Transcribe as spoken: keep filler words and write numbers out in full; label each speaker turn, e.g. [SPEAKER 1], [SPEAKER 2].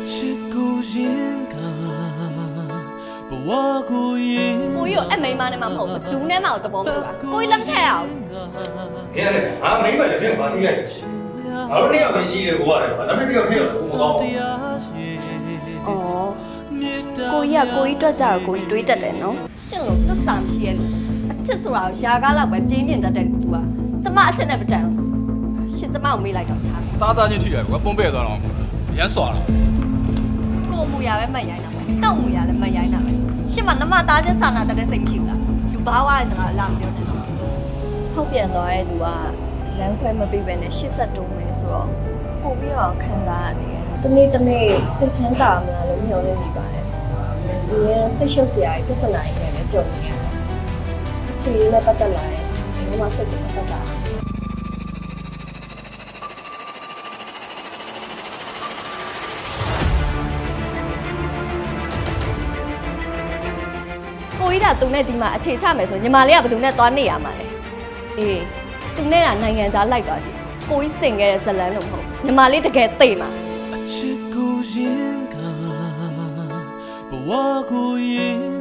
[SPEAKER 1] ကိုကြီးကိုအမိန်မနဲ့မှမဟုတ်ဘူးဒူးနဲ့မှတော့တဘောမလို့ပါကိုကြီးလက်ထက်အောင်
[SPEAKER 2] 你看，俺没买这边马蹄儿，俺说你要没洗的过来吧，咱们这个配合不高。
[SPEAKER 1] ဩကိုကြီးကကိုကြီးတွက်ကြတော့ကိုကြီးတွေးတတ်တယ်နော်ရှင်လို့သစ္စာမရှိရဲ့လို့အချစ်ဆိုတာကိုရှားကားလောက်ပဲပြင်းပြင်းတတ်တဲ့လူကကျမအချစ်နဲ့မတန်ဘူးရှင်ကျမကိုမေးလိုက်တော့ထား
[SPEAKER 3] သားသားချင်းထိတယ်ကွာပုံပဲ့သွားတော့ရမ်းစွာတာ
[SPEAKER 1] ကိုမူရပဲမရိုင်းတာပဲတောက်မူရလည်းမရိုင်းတာပဲရှင်မနမသားချင်းစာနာတတ်တဲ့စိတ်မရှိဘူးလားလူဘာဝရဲ့စကားလာမပြောနဲ့တော့ထုတ်ပြန်သွားတဲ့လူကလမ်းခွဲမပေးဘဲနဲ့ရှစ်ဆက်တုံးမယ်ဆိုတော့ပို့ပြီးတော့ခံစားရတယ်တနေ့တနေ့စိတ်ချမ်းသာမလားလို့မျှော်လင့်နေပါတယ်ဒီရဲ့စိတ်ရှုပ်စရာပြဿနာတွေနဲ့လည်းကြုံနေရတယ်အခြေအနေနဲ့ပတ်သက်လာရင်ဒီမှာစိတ်ကိုပတ်သက်တာကိုကြီးကသူနဲ့ဒီမှာအခြေချမယ်ဆိုညီမလေးကဘယ်သူနဲ့သွားနေရမှာလဲအေးသူနဲ့ကနိုင်ငံသားလိုက်သွားကြည့်ကိုကြီးစင်ခဲ့တဲ့ဇလန်းလို့မဟုတ်ညီမလေးတကယ်သိမှာ
[SPEAKER 4] အချစ်ကိုရင်ကဘဝကိုရင်